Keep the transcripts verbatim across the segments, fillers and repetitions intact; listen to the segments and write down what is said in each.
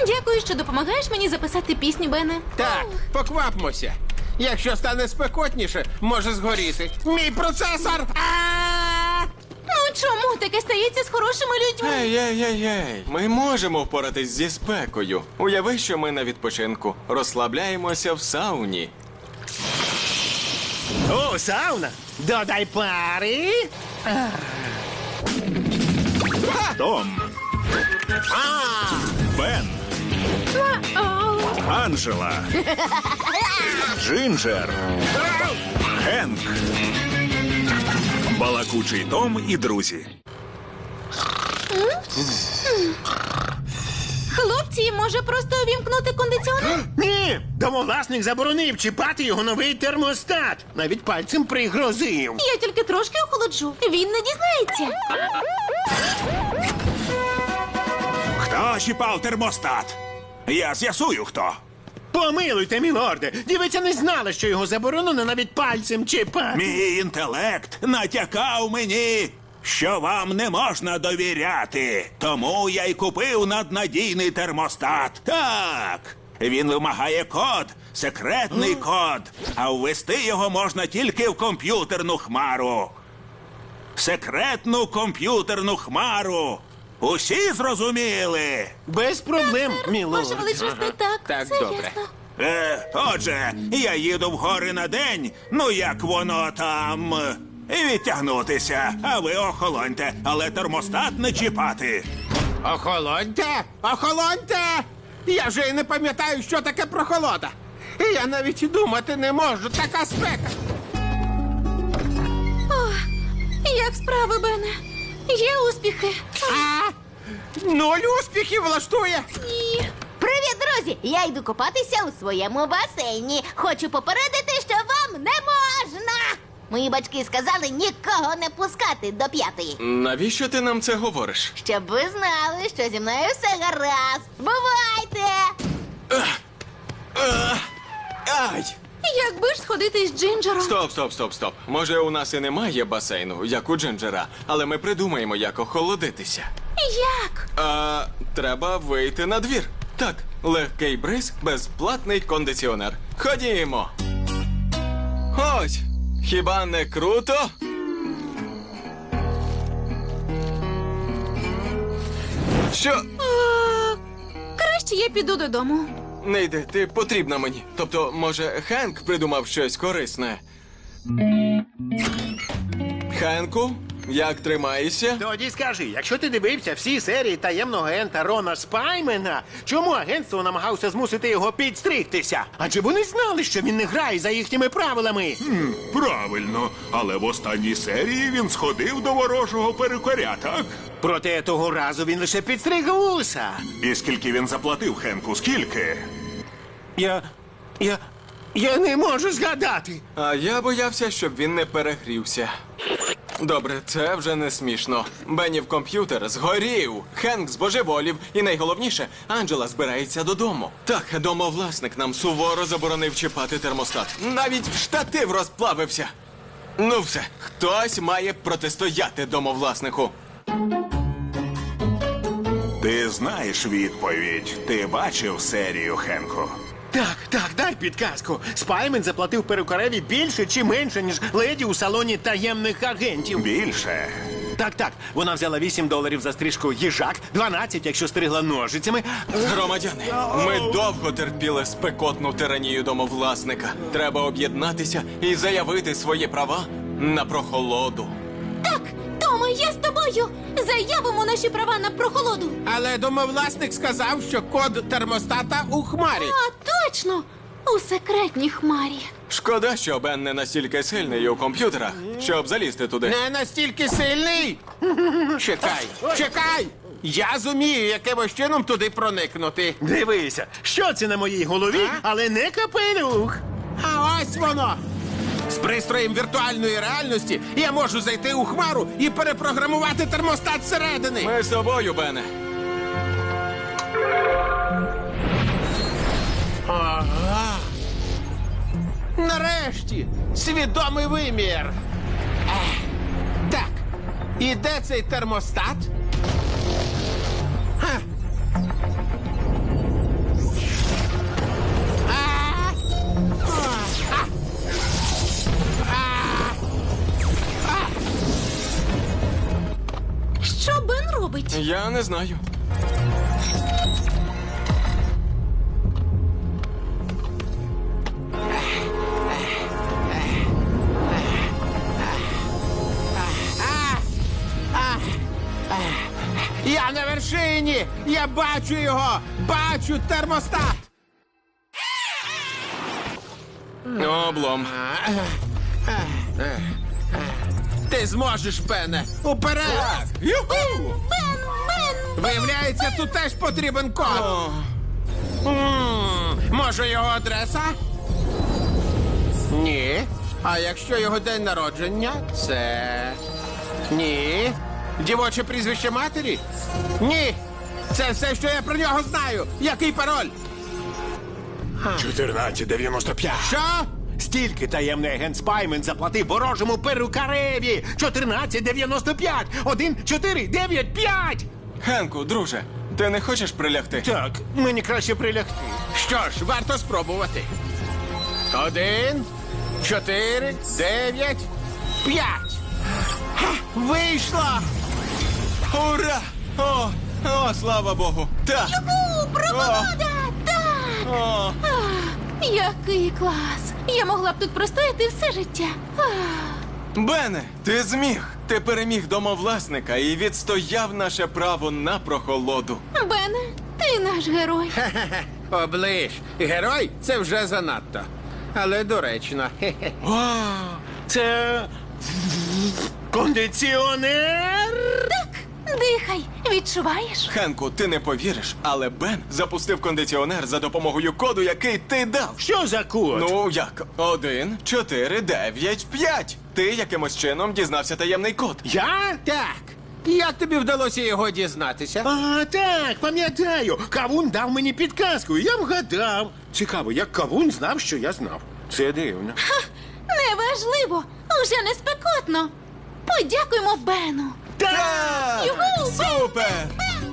Дякую, що допомагаєш мені записати пісню, Бене. Так, поквапмося. Якщо стане спекотніше, може згоріти. Мій процесор! А! Ну чому таке стається з хорошими людьми? Ей, ей, ей, ей. Ми можемо впоратись зі спекою. Уяви, що ми на відпочинку. Розслабляємося в сауні. О, сауна! Додай пари! Том. Бен. Анджела. Джинджер. Хенк. Балакучий Том і друзі. Хлопці, може просто увімкнути кондиціонер? Ні! Домовласник заборонив чіпати його новий термостат. Навіть пальцем пригрозив. Я тільки трошки охолоджу. Він не дізнається. Хто чіпав термостат? Я з'ясую, хто. Помилуйте, мілорде. Дівиця не знала, що його заборонено навіть пальцем чіпати. Мій інтелект натякав мені, що вам не можна довіряти. Тому я й купив наднадійний термостат. Так, він вимагає код, секретний код, а ввести його можна тільки в комп'ютерну хмару. Секретну комп'ютерну хмару. Усі зрозуміли? Без проблем, Ваша мілорде. величність, так, Так, все добре. ясно. Е, отже, я їду в гори на день, ну як воно там, і відтягнутися, а ви охолоньте, але термостат не чіпати. Охолоньте! Охолоньте! Я вже й не пам'ятаю, що таке прохолода. І я навіть і думати не можу, така спека. Як справи, Бене? Є успіхи? А? Нуль успіхів влаштує. Ні. Привіт, друзі! Я йду купатися у своєму басейні. Хочу попередити, що вам не можна. Мої батьки сказали нікого не пускати до п'ятої. Навіщо ти нам це говориш? Щоб ви знали, що зі мною все гаразд. Бувайте! Ай! Якби ж сходити з Джинджером? Стоп, стоп, стоп, стоп. Може, у нас і немає басейну, як у Джинджера, але ми придумаємо, як охолодитися. Як? А, треба вийти на двір. Так, легкий бриз, безплатний кондиціонер. Ходімо. Ось, хіба не круто? Що? А, краще я піду додому. Не йди, ти потрібна мені. Тобто, може, Хенк придумав щось корисне. Хенку, як тримаєшся? Тоді скажи, якщо ти дивився всі серії таємного агента Рона Спаймена, чому агентство намагався змусити його підстригтися? Адже вони знали, що він не грає за їхніми правилами. Правильно, але в останній серії він сходив до ворожого перукаря, так? Проте того разу він лише підстриг вуса. І скільки він заплатив Хенку, скільки? Я. я. я не можу згадати. А я боявся, щоб він не перегрівся. Добре, це вже не смішно. Беннів комп'ютер згорів, Хенк збожеволів, і найголовніше, Анджела збирається додому. Так, домовласник нам суворо заборонив чіпати термостат. Навіть штатив розплавився. Ну все, хтось має протистояти домовласнику. Ти знаєш відповідь. Ти бачив серію, Хенку? Так, так, дай підказку. Спаймен заплатив перукареві більше чи менше, ніж леді у салоні таємних агентів. Більше. Так, так. Вона взяла вісім доларів за стрижку їжак, дванадцять, якщо стригла ножицями. Громадяни, ми довго терпіли спекотну тиранію домовласника. Треба об'єднатися і заявити свої права на прохолоду. Так, Тома, я з тобою. Заявимо наші права на прохолоду. Але домовласник сказав, що код термостата у хмарі. А, точно! У секретній хмарі. Шкода, що Бен не настільки сильний у комп'ютерах, щоб залізти туди. Не настільки сильний. Чекай, чекай! Я зумію якимось чином туди проникнути. Дивися, що це на моїй голові, А? але не капелюх. А ось воно! З пристроєм віртуальної реальності я можу зайти у хмару і перепрограмувати термостат зсередини. Ми з тобою, Бене. Ага. Нарешті! Свідомий вимір! Ех. Так, і де цей термостат? Ха. Я не знаю. Я на вершині! Я бачу його! Бачу термостат! Облом. Ти зможеш, Бене! Уперед! Юху! Бен, Бен! Виявляється, тут теж потрібен код. О, М, Може, його адреса? Ні. А якщо його день народження, це. Ні. Дівоче прізвище матері? Ні. Це все, що я про нього знаю. Який пароль? чотирнадцять дев'яносто п'ять. Що? Стільки таємний агент Спаймен заплатив ворожому перукареві. чотирнадцять дев'яносто п'ять. один, чотири, дев'ять, п'ять. Хенку, друже, ти не хочеш прилягти? Так, мені краще прилягти. Що ж, варто спробувати. Один, чотири, дев'ять, п'ять. Ха, вийшло! Ура! О, о, слава Богу! Так! У, прохолода! Так! О, Ах, який клас! Я могла б тут простояти все життя. Ах. Бене, ти зміг! Ти переміг домовласника і відстояв наше право на прохолоду. Бене, ти наш герой. Хе-хе-хе. Оближ. Герой це вже занадто. Але доречно. Хе-хе. Вау! Це кондиціонер. Так, дихай, відчуваєш? Хенку, ти не повіриш, але Бен запустив кондиціонер за допомогою коду, який ти дав. Що за код? Ну як? Один, чотири, дев'ять, п'ять. Ти якимось чином дізнався таємний код. Я? Так. Як тобі вдалося його дізнатися? А, так, пам'ятаю. Кавун дав мені підказку, і я вгадав. Цікаво, як Кавун знав, що я знав. Це дивно. Неважливо, уже не спекотно. Подякуємо Бену. Так! Юху, Супер!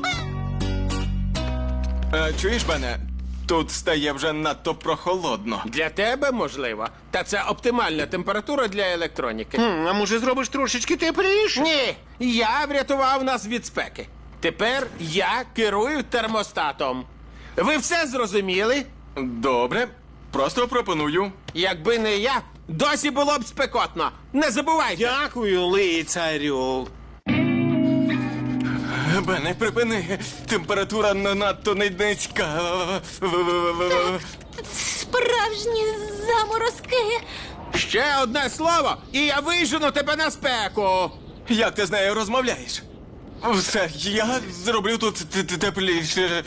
Е, чуєш, Бене? Тут стає вже надто прохолодно. Для тебе можливо. Та це оптимальна температура для електроніки. Хм, а може зробиш трошечки тепліше? Ні, я врятував нас від спеки. Тепер я керую термостатом. Ви все зрозуміли? Добре, просто пропоную. Якби не я, досі було б спекотно. Не забувайте. Дякую, лицарю. Бене, припини. Температура не надто не низька. Справжні заморозки. Ще одне слово, і я вижену тебе на спеку. Як ти з нею розмовляєш? Все, я зроблю тут т- т- тепліше.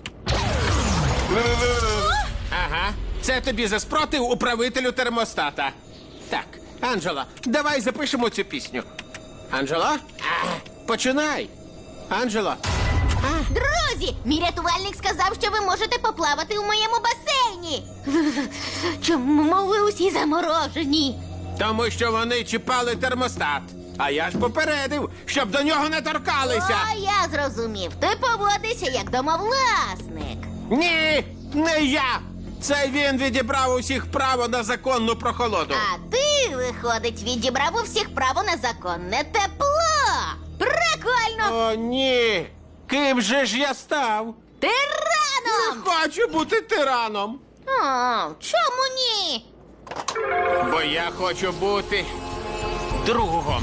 Ага, це тобі за спротив управителю термостата. Так, Анджела, давай запишемо цю пісню. Анджела? А, починай. Анджела. Друзі, мій рятувальник сказав, що ви можете поплавати у моєму басейні. Чому ви усі заморожені? Тому що вони чіпали термостат. А я ж попередив, щоб до нього не торкалися. А я зрозумів. Ти поводишся як домовласник. Ні, не я. Це він відібрав усіх право на законну прохолоду. А ти, виходить, відібрав у всіх право на законне тепло. Прикольно! О, ні. Ким же ж я став? Тираном! Хочу бути тираном. О, чому ні? Бо я хочу бути другом.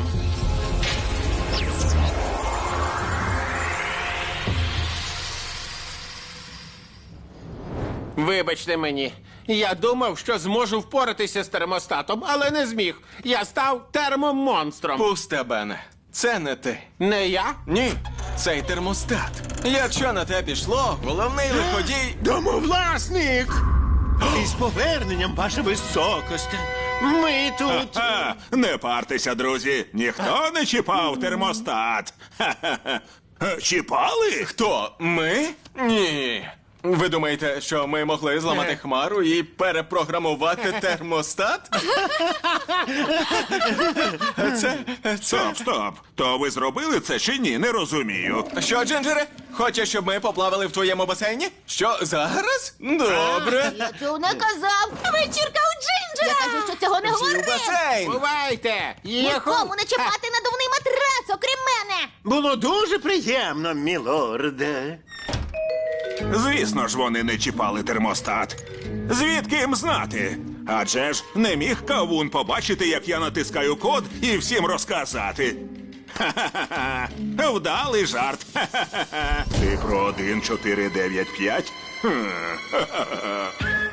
Вибачте мені, я думав, що зможу впоратися з термостатом, але не зміг. Я став термомонстром. Пусте, Бене. Це не ти. Не я? Ні, цей термостат. Якщо на те пішло, головний лиходій. Домовласник! Із поверненням, ваша високосте. Ми тут. Ха, не партеся, друзі. Ніхто не чіпав термостат. Ха-ха-ха. Е, Чіпали? Хто? Ми? Ні. Ви думаєте, що ми могли зламати хмару і перепрограмувати термостат? Це. це. Стоп, стоп. То ви зробили це чи ні? Не розумію. Що, Джинджере? Хочеш, щоб ми поплавали в твоєму басейні? Що, зараз? Добре. Я цього не казав. Вечірка у Джинджера. Я кажу, що цього не Всі в говорив. басейн. Бувайте! Єху! Нікому не чіпати надувний матрас, окрім мене. Було дуже приємно, мілорде. Звісно ж, вони не чіпали термостат. Звідки їм знати? Адже ж не міг кавун побачити, як я натискаю код і всім розказати. Ха-ха-ха. Вдалий жарт. Ха-ха-ха. Ти про один чотири дев'ять п'ять? Хм. Ха-ха-ха.